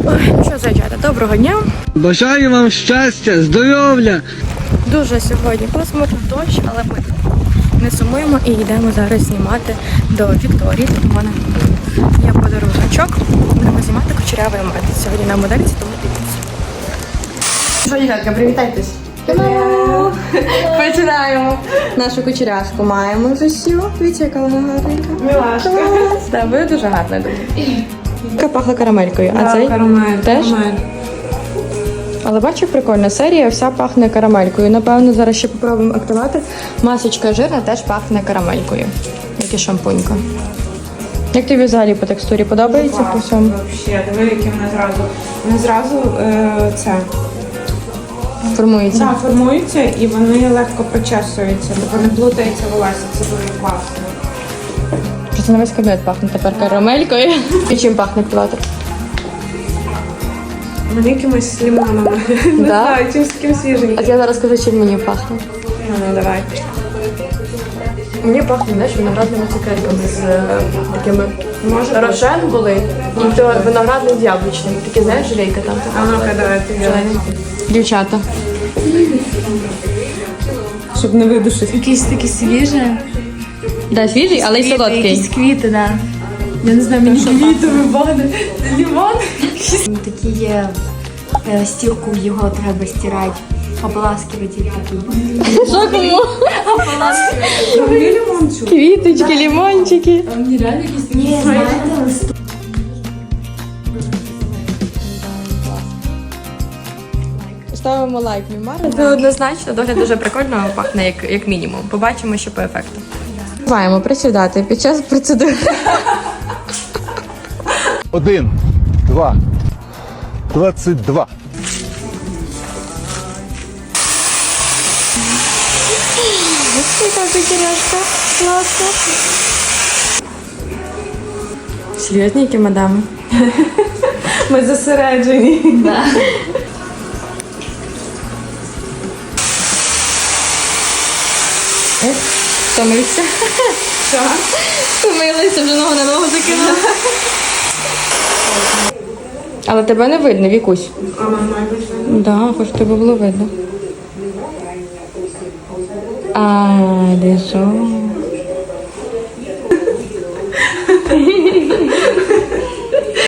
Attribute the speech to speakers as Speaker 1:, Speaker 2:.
Speaker 1: Що, зайчата, доброго дня.
Speaker 2: Бажаю вам щастя, здоров'я.
Speaker 1: Дуже сьогодні пасмурно, дощ, але ми не сумуємо і йдемо зараз знімати до Вікторії. У мене є подарунок. Будемо знімати кучерявий мед. Сьогодні на модельці, тому дивіться. Що, дівчатка, привітайтесь. Починаємо. Нашу кучерявку маємо вже всю. Дивіться, яка вона гарненька.
Speaker 3: Милашка.
Speaker 1: Так, ви дуже гарна, думаю. Яка пахла карамелькою, а цей
Speaker 3: Карамель,
Speaker 1: теж?
Speaker 3: карамель.
Speaker 1: Але бачу, прикольна серія, вся пахне карамелькою. Напевно, зараз ще попробуємо активати. Масочка жирна теж пахне карамелькою, як і шампунька. Як тобі взагалі по текстурі подобається по всьому?
Speaker 3: Взагалі, диви, які вони зразу це
Speaker 1: Формується.
Speaker 3: формуються і вони легко причесуються, тобто не плутається волосся, це дуже класно.
Speaker 1: Просто на весь кабінет пахне тепер карамелькою. І чим пахне активатор?
Speaker 3: Вони якимось лимонами. Не
Speaker 1: Да?
Speaker 3: знаю, чимось таким свіженьким.
Speaker 1: А я зараз скажу, чим мені пахне.
Speaker 3: Ну, давай.
Speaker 1: Мені пахне, знаєш, виноградними цукерками з такими
Speaker 3: Може
Speaker 1: рошен були. І то виноградний з яблучним. Такі, знаєш, желейка там.
Speaker 3: А ну-ка, давай, ти взяла.
Speaker 1: Дівчата.
Speaker 3: Щоб не видушити.
Speaker 4: Якийсь такий свіжий.
Speaker 1: Да, свіжий, але й солодкий.
Speaker 4: Якісь квіти, да. Я не знаю, мені квітові бани. Лімон. Такі є, стірку його треба стирати. Ополаскиватель такий.
Speaker 1: Що кому?
Speaker 3: Зробили лимон чу?
Speaker 1: Квіточки, лимончики.
Speaker 4: А мені реально якісь ні, знаєте, листок.
Speaker 1: Ставимо лайк, Мімара. Це однозначно, догляд дуже прикольно пахне, як мінімум. Побачимо, що по ефекту. Маємо присідати під час процедури.
Speaker 5: 1, 2, 22.
Speaker 1: Яка кучеряшка. Класно. Серйозні мадами?
Speaker 3: Ми зосереджені.
Speaker 1: Да. Втомився.
Speaker 3: Що?
Speaker 1: Втомилися, вже ногу на ногу закинула. Але тебе не видно, Вікусь.
Speaker 3: А мама пішла.
Speaker 1: Да, хоч тебе було видно. А, де що?